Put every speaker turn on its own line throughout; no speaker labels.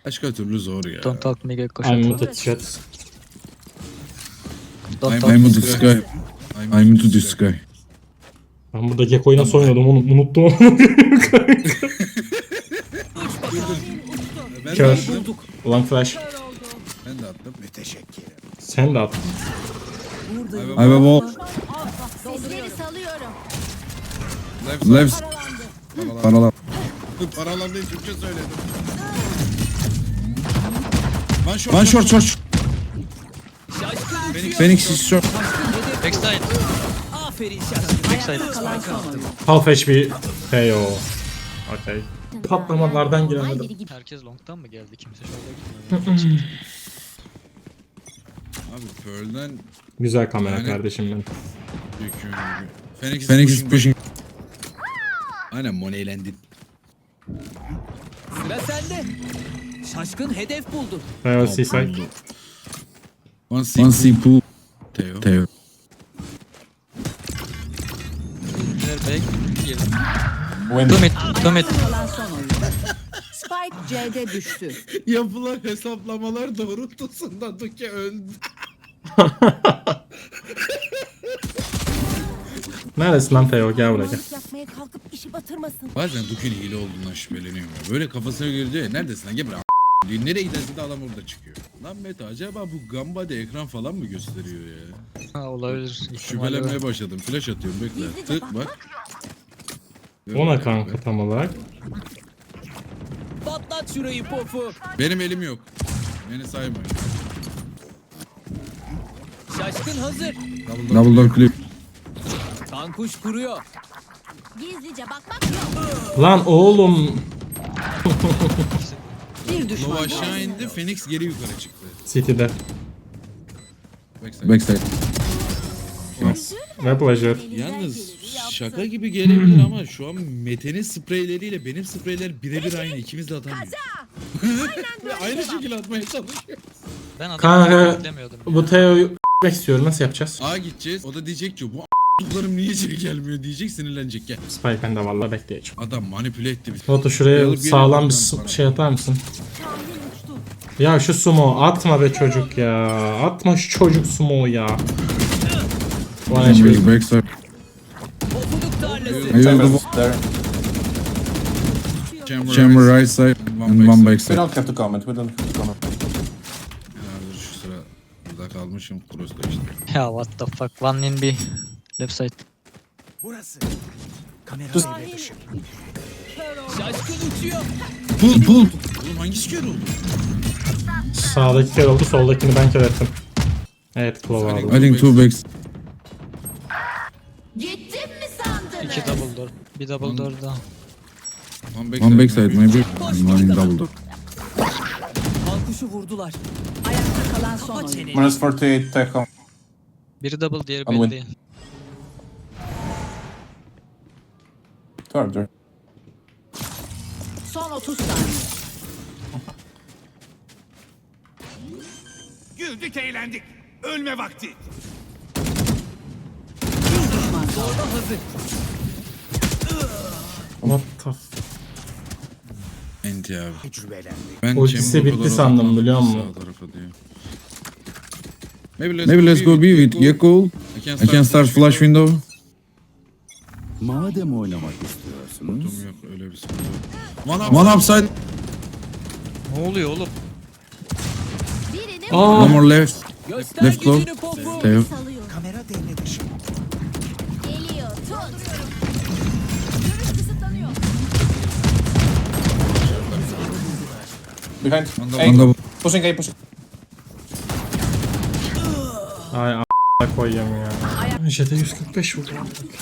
Başka türlü zor ya.
Don't talk me Gekko.
I'm muted chat.
Don't
I'm into
talk
this guy. I'm into this guy.
Ben burada Gekko'yu nasıl oynuyordum onu unuttum.
Ben de
Kör.
attım.
Ulan flash.
Ben de attım.
Sen de at.
I have a wall.
Sesleri salıyorum.
Left. Paralan. Paralan değil Türkçe söyledim. One short. Phoenix is short.
Backside. Backside.
Half HP KO. Okay. Patlamalardan giremedim.
Herkes long'tan mı geldi? Kimse şurada gitmedi.
Abi Pearl'den
Güzel kamera
Yani-
kardeşim benim.
Phoenix is pushing. Aynen Money'lendin.
Sıra sende. Şaşkın hedef buldu.
Seaside.
One C pool. Teo.
They're back. Girdim. Two mid.
Kalan son oyun. Spike C'de düştü.
Yapılan hesaplamalar doğrultusunda Duke öldü.
Neredesin lan Teo? Gel buraya gel.
Yapmaya kalkıp işi batırmasın.
Bazen Duke'ün hile olduğundan şüpheleniyorum ya. Böyle kafasına göre diyor ya neredesin lan gel buraya diyor. Nereye giderse de adam orada çıkıyor. Lan Mete acaba bu Gamba'da ekran falan mı gösteriyor ya?
Ha olabilir. İhtimali var.
Şüphelenmeye başladım. Flash atıyorum bekle. Tık bak.
Ona kanka tam olarak.
Patlat şurayı pofu.
Benim elim yok. Beni saymayın.
Şaşkın hazır.
Double door clip.
Kankuş kuruyor.
Gizlice bakmak yok.
Lan oğlum.
Bir düşman.
Lova aşağı indi. Phoenix geri yukarı çıktı.
City'de.
Backside.
Ve pleasure.
Yalnız şaka gibi gelebilir ama şu an Mete'nin spreyleriyle benim spreyler birebir aynı. İkimiz de atamıyoruz. Aynı şekilde atmaya çalışıyor.
Ben adamı
Kanka
beklemiyordum.
bu Teo'yu s**mek istiyorum. Nasıl yapacağız?
A gideceğiz. O da diyecek ki bu a**larım niye içeri gelmiyor diyecek sinirlenecek gel.
Spike bende vallahi bekleyeceğim.
Adam manipüle etti bizi.
Batu şuraya
Alıp
sağlam bir
geliyorum ben
şey atar mısın? Ya şu sumo atma be çocuk ya. Atma şu çocuk sumo ya. One HP.
Backside.
Pofuduk tarlası.
Chamber right side and one
We
backside.
don't have to comment. We don't have to comment.
Herhalde şu sıra burada kalmışım. Cross'ta işte.
Ya what the fuck. One in B. Left side.
Şaşkın uçuyor.
Pull. Oğlum hangisi kör oldu?
Sağdaki kere oldu, soldakini ben kere ettim. Evet, Claw aldım.
I think two backs.
Gittim mi sandınız?
2 double door. Bir double door daha.
One backside maybe. And one in double door.
Kankuşu vurdular.
Ayakta kalan son oyun.
Minus 48, take home.
Biri double diğeri
Unwin.
belli değil.
Third.
Son 30 saniye.
Güldük eğlendik. Ölme vakti.
Zorba hazır.
What the f...
Enti abi. Ben
Ultisi
chamber
bitti
kadar
sandım,
odaklandım
biliyor musun?
sağ tarafa diye. Maybe let's go B with Gekko. I can start flash window.
Madem oynamak istiyorsunuz.
Yok öyle bir sıkıntı. One upside.
Ne oluyor oğlum?
Birini
Aa,
One more left.
Göster
Left claw.
gücünü pofu.
Teo.
salıyor. Kamera devre dışı. Geliyor. Tut. Görüş kısıtlanıyor.
Behind.
On double.
Pushing A, pushing.
ay a**a koyayım ya. Jet'e 145 vurdu.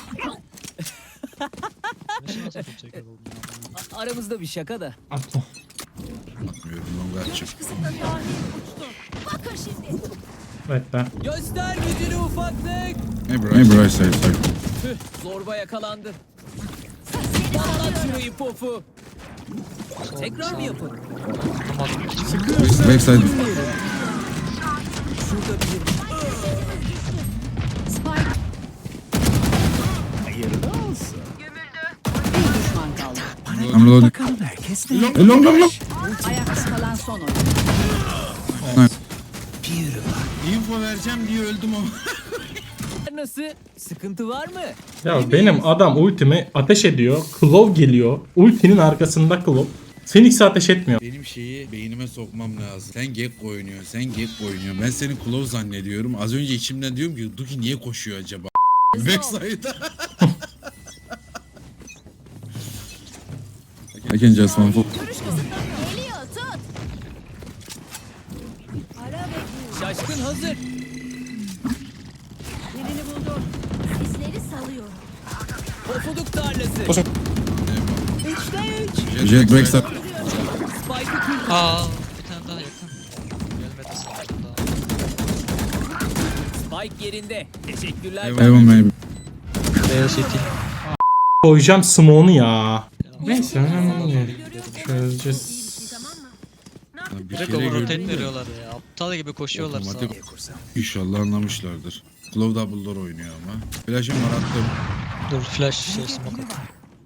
Nasıl çeker oldum ya?
Aramızda bir şaka da.
Atma.
Atmıyorum longa açık.
Kısıtlanıyor. Uçtu. Bakın şimdi.
Bekle.
Göster gücünü ufaklık.
Maybe right side.
Tüh, zorba yakalandı. Patlat şurayı pofu. Tekrar mı yapın?
Backside.
Şurada bir
Spike.
Hayırlı olsun.
Bir düşman kaldı.
I'm reloading.
Bakalım herkes ne?
Long.
Ayakta kalan son son oyun.
Info vereceğim diye öldüm ama.
Nasıl? Sıkıntı var mı?
Ya benim adam ultimi ateş ediyor. Claw geliyor. Ultinin arkasında Claw. Phoenix'e ateş etmiyor.
Benim şeyi beynime sokmam lazım. Sen Gekko oynuyorsun, sen Gekko oynuyorsun. Ben seni Claw zannediyorum. Az önce içimden diyorum ki Duki niye koşuyor acaba? Backside'a. I can just one for.
Geliyor tut.
Şaşkın hazır.
Birini buldum. Sesleri salıyorum.
Pofuduk tarlası.
3'te 3.
Jet backside.
Spike'ı kırdı.
Aa, bir tane daha yakın. Gelmedi sanırım daha.
Spike yerinde. Teşekkürler.
Heaven maybe.
Beyaz City.
Koyacağım smoke'unu ya. Neyse önemli değil. Çözeceğiz.
Bir
Direkt
kere
overrotate
gördüm de.
veriyorlar ya. Aptal gibi koşuyorlar sana.
Otomatik. İnşallah anlamışlardır. Claw double door oynuyor ama. Flash'ım var attım.
Dur flash şey smoke at.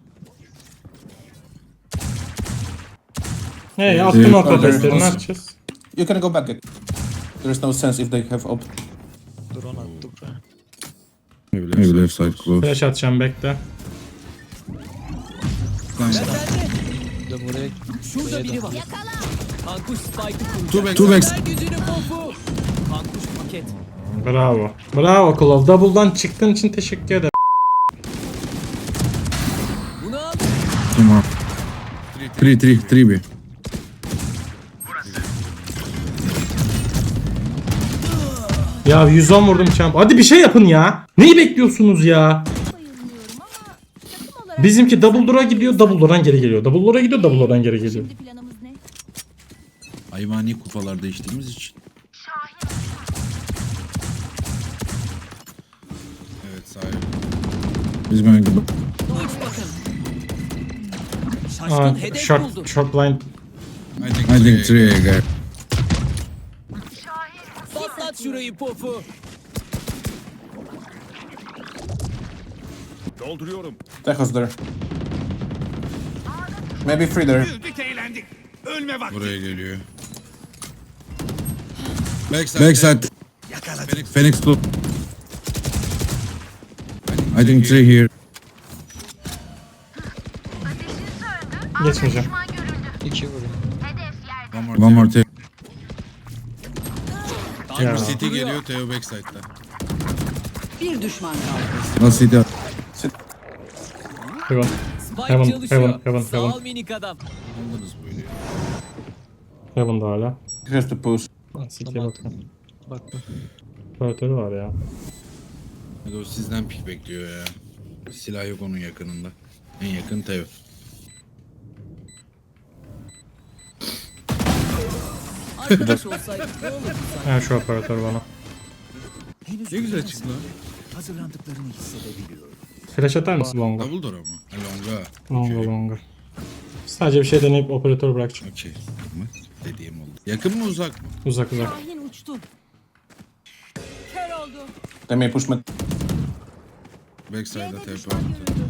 Hey attım o patatesleri ne yapacağız?
You can go back. There is no sense if they have op.
Dur onu attı buraya.
Maybe left side close.
Flash atacağım bekle.
Bir de buraya
Şurada biri var.
Yakala.
Kankuş Spike'ı kuracak.
Two back, two back.
Ver gücünü pofu. Kankuş paket.
Bravo. Bravo Claw. Double'dan çıktığın için teşekkür ederim.
Bunu al.
Tamam. 3 B.
Ya 110 vurdum champ. Hadi bir şey yapın ya. Neyi bekliyorsunuz ya?
Bayılmıyorum ama takım olarak
Bizimki double door'a gidiyor, double door'dan geri geliyor. Double door'a gidiyor, double door'dan geri geliyor.
şimdi planımız ne?
Hayvani kupalarda içtiğimiz için. Evet sahip. Biz böyle gibi.
Uç bakın. Şaşkın
Aa,
hedef
short,
buldu.
short blind.
I think 3 guy.
Patlat şurayı pofu.
Dolduruyorum.
Techos there. Maybe 3 there.
Güldük eğlendik. Ölme vakti.
Buraya geliyor. Backside. Phoenix club. I think 3 here.
Geçmeyeceğim.
2 vuruyor.
One more take.
Ya.
City geliyor Theo backside'da.
Bir düşman kaldı.
Nasıl City?
Heaven.
Spike
Heaven,
çalışıyor.
heaven,
Sağ
heaven.
ol minik adam.
Anladınız böyle.
Heaven da hala.
He has to push.
City'ye
Tamam.
bakın.
Bak bak.
Operatörü var ya.
Hadi o sizden pik bekliyor ya. Silah yok onun yakınında. En yakın Theo.
Arkadaş olsaydık ne olurdu?
Ha şu operatör bana.
Ne güzel çıktı lan.
Hazırlandıklarını hissedebiliyorum.
Flash atar mısın longa?
Double door ama. Ha, longa.
Longa
Okey.
longa. Sadece bir şey deneyip operatör bırakacağım.
Okey. Tamam. Dediğim oldu. Yakın mı uzak mı?
Uzak uzak.
Şahin uçtu. Kör oldu.
They may push mid.
Backside'a
C'de
TP
düşman
attı.
görüldü.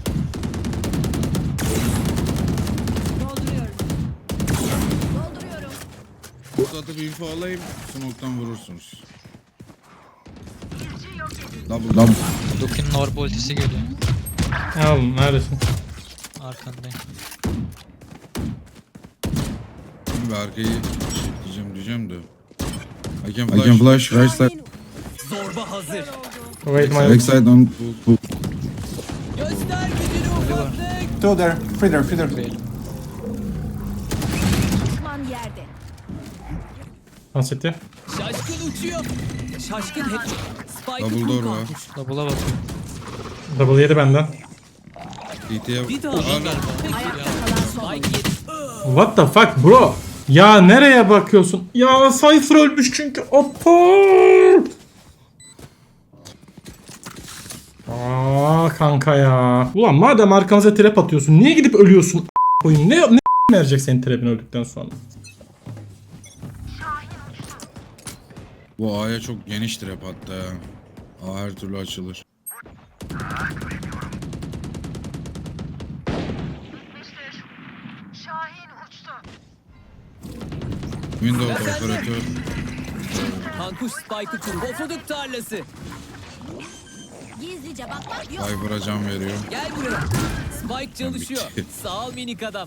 Dolduruyorum. Dolduruyorum.
Burada atıp info alayım. Smoke'tan vurursunuz. Double.
Dukin'in orb ultisi geliyor.
Ya oğlum neredesin?
Arkandayım.
Şimdi arkayı diyeceğim de. I can flash right side.
Zorba hazır.
Wait my...
Backside on pull.
Göster gücünü ufaklık.
2 there. 3 there. 3 there.
Düşman yerde.
Lan City.
Şaşkın uçuyor. Şaşkın hep. Spike'ı
Double door
kur
var.
kankuş.
Double'a bakıyor.
Double yedi benden.
DT'ye
Bir daha.
Aa,
Ayakta kalan son oyun.
Spike yedi.
What the fuck bro? Ya nereye bakıyorsun? Ya Cypher ölmüş çünkü. Apart. Aa kanka ya. Ulan madem arkamıza trap atıyorsun niye gidip ölüyorsun? Koyun ne verecek senin trap'in öldükten sonra?
Bu A'ya çok geniş trap hatta ya. A her türlü açılır. Windows'da operatör.
Kankuş Spike'ı kur. Pofuduk tarlası.
Gizlice bakmak yok.
Viper'a can veriyor.
Gel buraya. Spike çalışıyor. Sağ ol minik adam.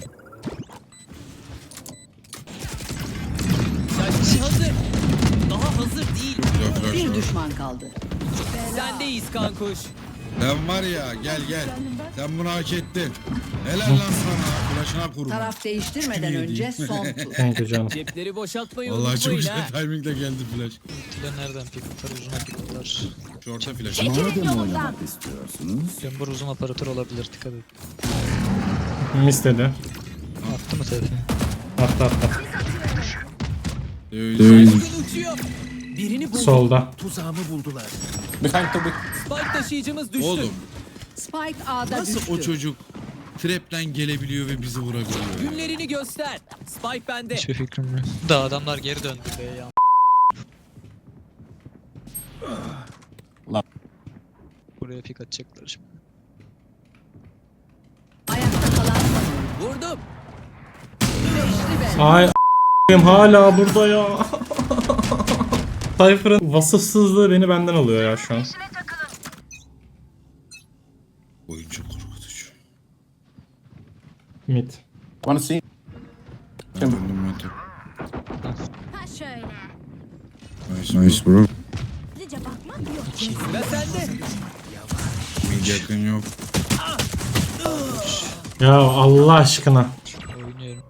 Şaşkın hazır. Daha hazır değil.
Güzel flash
Bir
var.
düşman kaldı.
Sendeyiz kankuş.
Sen var ya gel. Sen bunu hak ettin. Helal lan sana. Flash'ına kurma.
Taraf değiştirmeden
Kim
önce
yedi?
son tur.
Thank you canım.
Cepleri boşaltmayı
Vallahi çok
unutmayın
güzel
ha.
timingle geldi flash.
Ultiler nereden pikler? Uzun pikler.
Short'a flash.
Çekilin yolumdan.
Chamber uzun operatör olabilir. Dikkat et.
Mis dedi.
Attı mı TP?
Attı.
Şaşkın uçuyor. Birini bulduk.
Solda.
Tuzağımı buldular.
Behind to be.
Spike taşıyıcımız düştü.
Oğlum
Spike A'da
nasıl
düştü.
o çocuk trap'ten gelebiliyor ve bizi vurabiliyor ya?
Günlerini göster. Spike bende.
Hiçbir fikrim yok. Da adamlar geri döndü be ya.
Lan.
Buraya pik atacaklar şimdi.
Ayakta kalan son.
Vurdum.
Ay a**ayım hala burada ya. Cypher'ın vasıfsızlığı beni benden alıyor ya şu an.
Oyun çok korkutucu.
Mid.
Wanna see?
Ben döndüm Mete.
Ha şöyle.
Nice bro.
Gizlice bakmak yok.
Ve sende.
Mid yakın yok.
Ya Allah aşkına.
Oynuyorum.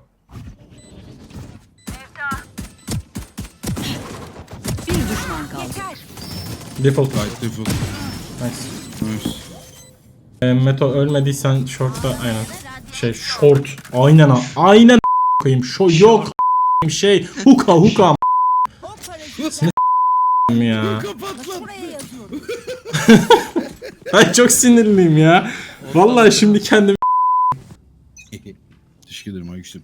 Bir düşman kaldı.
Yeter.
Default.
Light default.
Nice.
Nice.
Meto ölmediysen short'ta aynen. Şey short. Aynen koyayım. Yok şey huka
Hop parası.
ya.
Kapat lan.
Buraya yazıyorum.
Ay çok sinirliyim ya. Vallahi şimdi kendimi
Teşekkür ederim Aykuş'um.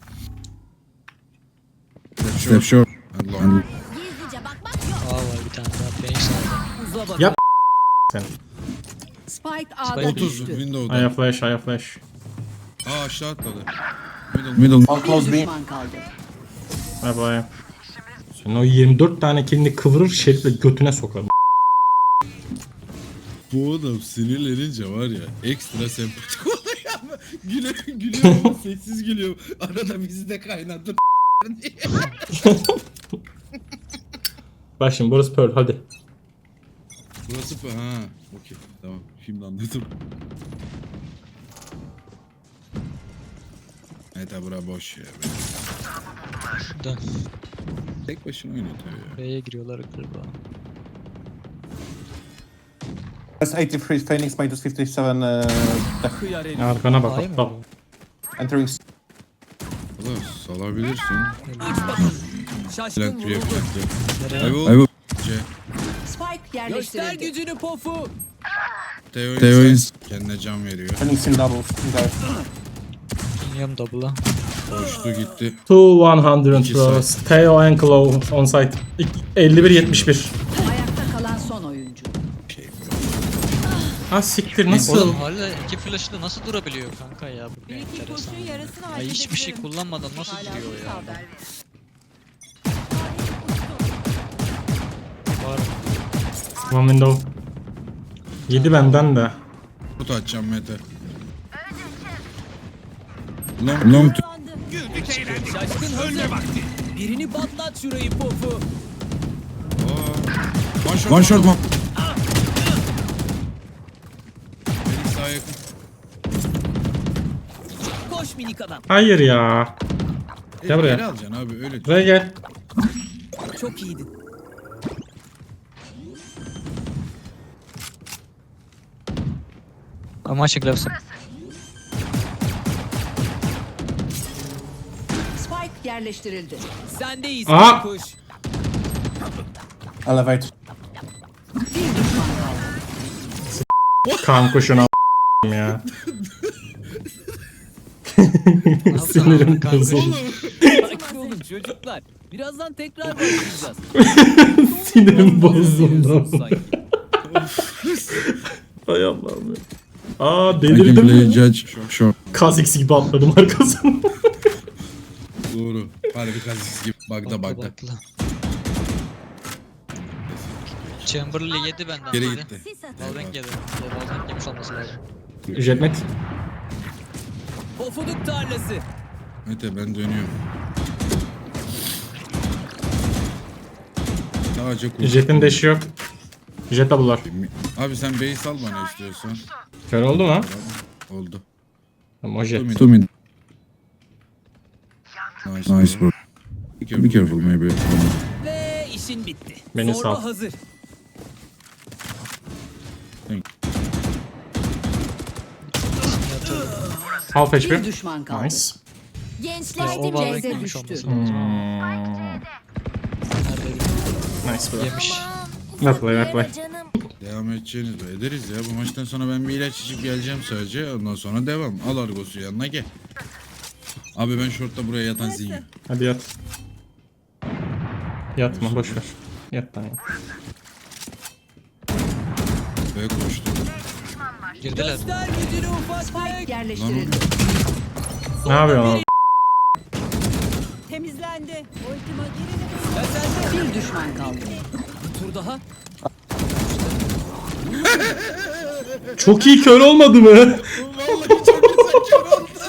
Step short. Allah.
Gizlice bakmak yok.
A var bir tane daha. Phoenix aldı.
Uza bak.
Yap. sen.
Spike A'da
Spike
30
düştü.
Windows'da.
Aya flash.
Aa aşağı atladı. Middle.
All
Bir
close B.
düşman kaldı.
Ay bay. Sen o 24 tane kendini kıvırır şerifle götüne sokar.
Bu adam sinirlenince var ya ekstra sempatik oluyor ama gülüyor ama sessiz gülüyor. Arada bizi de kaynattı diye.
Bak şimdi burası Pearl hadi.
Burası ha okey tamam şimdi anladım. Evet ha bura boş ya.
Dön.
Tek başına oynuyor tabii ya.
B'ye giriyorlar galiba.
That's 83 Phoenix minus 57
Kıyar herif.
Arkana bak
Ay mı?
bak.
entering.
Valla salabilirsin.
Şaşkın
Blank
vuruldu.
reflektör.
Nereye?
I will. C.
Spike
Göster
yerleştirildi.
gücünü pofu.
Theo kendine can veriyor.
Phoenix in doubles. Guys.
İniyorum double'a.
Koştu gitti.
2-100
İki
bros. Theo and Claw on site. 51-71.
Ayakta kalan son oyuncu.
Ha siktir nasıl?
Oğlum hala iki flash'la nasıl durabiliyor kanka ya? Bu ne enteresan. Ya hiçbir şey kullanmadan nasıl duruyor ya? Var.
One window. 7 benden de.
Kut atacağım Mete. Long to.
Güldük eğlendik.
Şaşkın hazır.
Ölme vakti.
Birini patlat şurayı pofu.
One shot mom. Beni sağa yakın.
Koş minik adam.
Hayır ya. Gel buraya.
Geri alacaksın abi öyle.
Buraya gel.
Çok iyiydin.
Ama açık lafsın.
Spike yerleştirildi.
Sendeyiz
Aa!
kankuş.
Elevate.
Bir düşman kaldı.
Kankuşuna ya. Sinirim bozuldu.
Sakin olun çocuklar. Birazdan tekrar başlayacağız.
Sinirim bozuldu.
Sanki.
Hay Allah'ım ya. Aa delirdim mi?
Judge short.
Kha'Zix gibi atladım arkasına.
Doğru. Harbi kazısı gibi. Bagda bagda.
Bakla. Chamberlain yedi benden.
Geri
dedi.
gitti.
Sis atın.
Valorant yedi. Valorant yemiş olması lazım.
Jetmet.
Pofuduk tarlası.
Mete ben dönüyorum. Sadece kurt.
Jet'in deşi yok. Jet double'lar.
Abi sen base al bana istiyorsan.
Kör oldu mu?
Oldu.
Tamam o jet.
Two mid. Nice bro. Be careful maybe.
Ve işin bitti.
Beni
Zorba
sal.
hazır.
Half
Bir
HP.
düşman kaldı.
Nice.
O
Gençleştim
Valorant
C'de
yemiş
düştü.
olması lazım.
Nice bro.
Yemiş.
Well play, well play.
Canım.
Devam edeceğiniz de ederiz ya. Bu maçtan sonra ben bir ilaç içip geleceğim sadece. Ondan sonra devam. Al Argos'u yanına gel. Abi ben shortta buraya yatan zihin.
Hadi yat. Yatma boşver. Yat lan ya.
Böyle koştu.
Girdiler.
Göster gücünü ufaklık.
Yerleştirildi.
Ne yapıyorsun oğlum?
Temizlendi.
Ve sen de
Bir düşman kaldı.
bir tur daha.
Çok iyi kör olmadı mı?
Vallahi çok güzel kör oldu.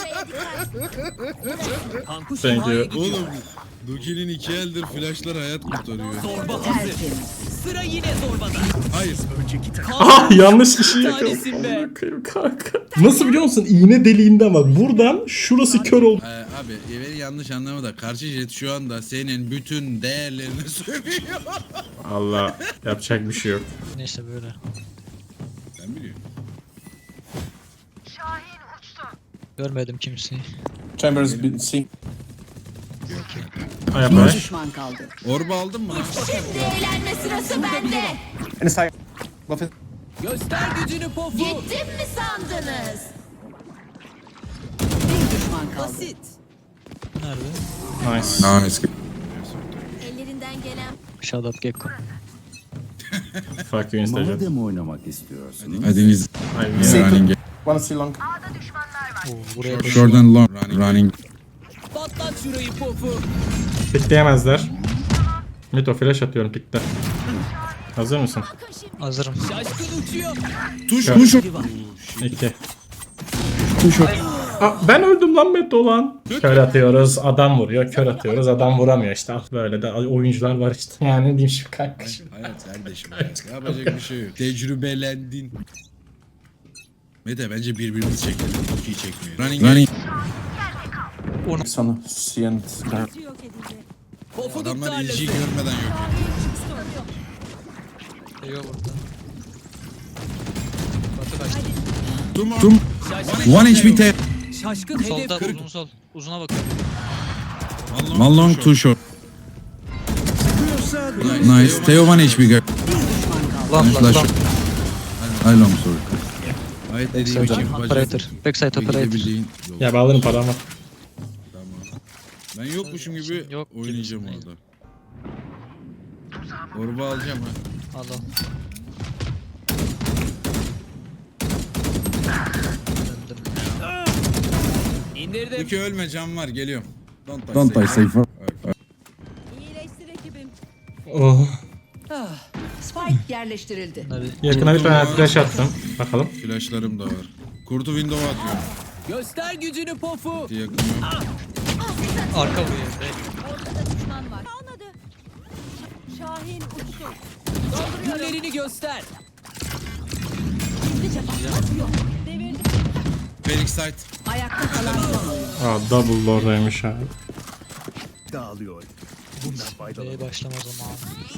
Kankuş
Thank you.
imhaya gidiyor.
Oğlum Duki'nin 2 eldir flashlar hayat kurtarıyor.
Zorba hazır.
Tertemiz.
Sıra yine zorbada.
Hayır.
Ah yanlış kişiyi
Tanesin be.
yakaladım. Bakayım kanka. Nasıl biliyor musun? İğne deliğinde ama buradan şurası kör oldu.
Abi beni yanlış anlama da karşı jet şu anda senin bütün değerlerini sövüyor.
Allah yapacak bir şey yok.
Neyse böyle.
Sen biliyorsun.
Görmedim kimseyi.
Chambers been seen.
Ay
Bir
yapma.
düşman kaldı.
Orba aldın mı?
Şimdi eğlenme sırası bende.
Inside. Love it.
Göster gücünü pofu.
Gittim mi sandınız?
Bir düşman kaldı.
Basit.
Nerede?
Nice.
Nice.
Ellerinden gelen
Shut up Gekko.
Fuck you Instagram.
Madem oynamak istiyorsun.
Hadi biz
Ay,
running.
Wanna see long?
Oo, buraya
Short and long. Running.
Patlat şurayı pofu.
Pikleyemezler. Mito flash atıyorum pikte. Hazır mısın?
hazırım.
Şaşkın uçuyor.
Tuş.
Biri var.
2. Ben öldüm lan Meto lan. Kör atıyoruz adam vuruyor. Kör atıyoruz adam vuramıyor işte. Ah, böyle de oyuncular var işte. Yani ne diyeyim şimdi kanka.
Hayat kardeşim hayat. Yapacak bir şey yok. Tecrübelendin. Mete bence birbirimizi çekelim. Çok iyi çekmiyor. Running.
Sana see and
Pofuduk
Adamlar
tarlası.
ilgiyi görmeden yok.
Yok burada. Batı kaçtı.
Tum.
Şaşkın
One
uçuyor.
HP te.
Şaşkın
Solda
hedef.
uzun sol. Uzuna bakın.
One long two short. Nice. Teo one HP girl.
Lan
Flash.
lan.
I long sorry. Hayat dediğim için
Operator. Backside operator.
gidebildiğin yol.
Ya bağlarım paramı.
Tamam. Ben yokmuşum gibi
Yok,
oynayacağım
gibisin.
orada. Orba alacağım ha.
Al al. Döndüm.
İndirdim.
Duki ölme can var geliyorum.
Don't die safer.
Oh.
Spike yerleştirildi.
Hadi.
Yakına bir tane flash attım. Bakalım.
Flashlarım da var. Kurtu window'a atıyorum.
Göster gücünü pofu.
Yakın yok.
Arka vuruyor.
kalmadı. Şahin uçtu.
Günlerini göster.
Gizlice bakmak yok.
Phoenix site.
Ayakta kalan son oyuncu.
Aa double oradaymış abi.
Dağılıyor. Bundan faydalı.
B'ye başlama zamanı.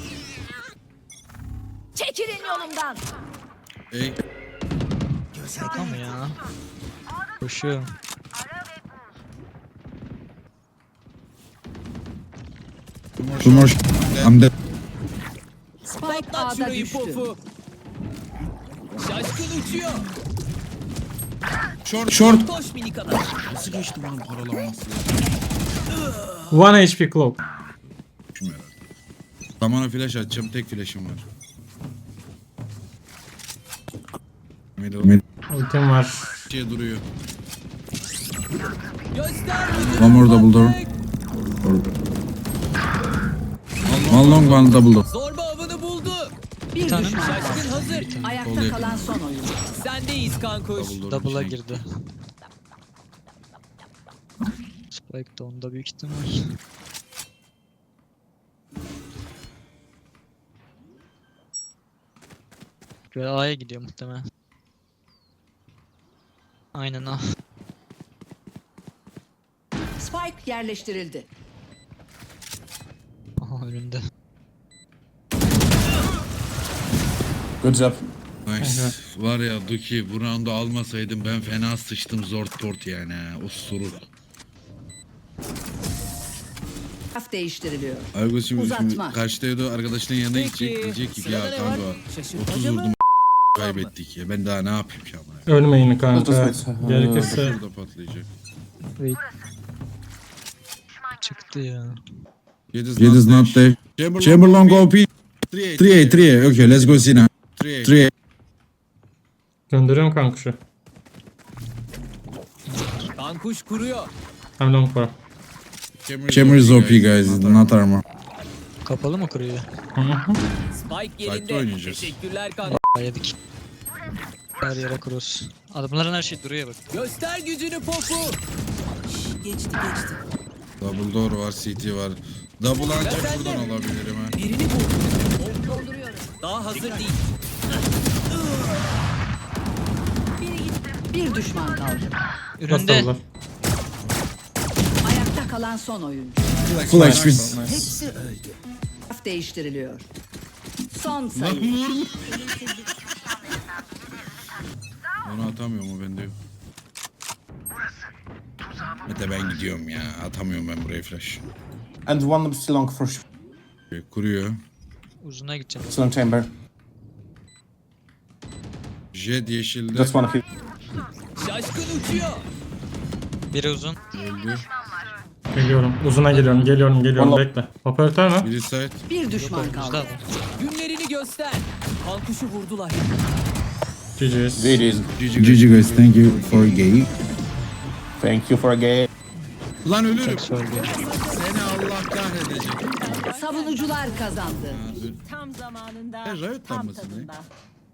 Çekilin yolumdan.
Ey.
Şaka mı ya? Koşuyorum.
Two more. I'm dead.
Spike
Patlat
A'da
şurayı
düştü.
pofu. Şaşkın uçuyor.
Short.
Koş minik adam.
Nasıl geçti bunun paralanması ya?
1 HP cloak.
Şunu herhalde. Zamana flash atacağım. Tek flash'ım var. Middle.
Ultim var.
Şey duruyor.
Göster gücünü
One more double door.
ufaklık.
Orada.
One long, one double door.
Zorba avını buldu.
Bir
tane mi?
düşman kaldı.
Şaşkın hazır.
Ayakta kalan son oyuncu.
Sendeyiz kankuş.
Double'a girdi. Spike de onda büyük ihtimal. Ve A'ya gidiyor muhtemelen. Aynen A.
Spike yerleştirildi.
Aha önünde.
Good job.
Nice. Var ya Duki bu roundu almasaydım ben fena sıçtım zort port yani ha. O sorun.
Taraf değiştiriliyor.
Argus şimdi
Uzatma.
karşıdaydı arkadaşının yanına
Peki,
gidecek. Diyecek ki
sırada
ya
ne
kanka
var?
30
Şaşırtmaca mı?
vurdum kaybettik ya. Ben daha ne yapayım ki ama.
Ölmeyin kanka.
Just wait.
Gerekirse
Şurada patlayacak.
Wait. Çıktı ya.
Yediz not there. Chamberlain go P. 3A. Okay, let's go Sina. 3A.
gönderiyorum kanka şu.
Kankuş kuruyor.
Hem long var.
Chamber is OP guys, not armor.
Kapalı mı kuruyor?
Spike
Site'de
yerinde.
oynayacağız.
Teşekkürler kanka.
Yedik. Her yere cross. Adamların her şey duruyor bak.
Göster gücünü popu. Geçti.
Double door var, CT var. Double ancak buradan alabilirim ha.
Birini vur. Daha hazır değil.
Bir düşman kaldı.
Önünde.
Nasıl
Ayakta kalan son oyuncu.
Full HP.
Hepsi öldü. Taraf değiştiriliyor. Son sayı.
Onu atamıyorum o bende yok. Mete ben gidiyorum ya. Atamıyorum ben buraya flash.
And one still long for sure.
Kuruyor.
Uzuna gideceğim.
Still on chamber.
Jet yeşilde.
Just one hit.
Şaşkın uçuyor.
Biri uzun.
Öldü.
Geliyorum. Uzuna geliyorum.
Vallahi-
Bekle. Operatör mü?
Biri side.
Bir düşman
Önümüzde
kaldı.
adam.
Günlerini göster. Kankuşu vurdular.
GG's.
GG guys, thank you for a game. Thank you for a game.
Lan ölürüm.
Tek söylüyor.
Seni Allah kahredecek.
Savunucular kazandı.
Tam zamanında,
Riot
tam
mısın
tadında.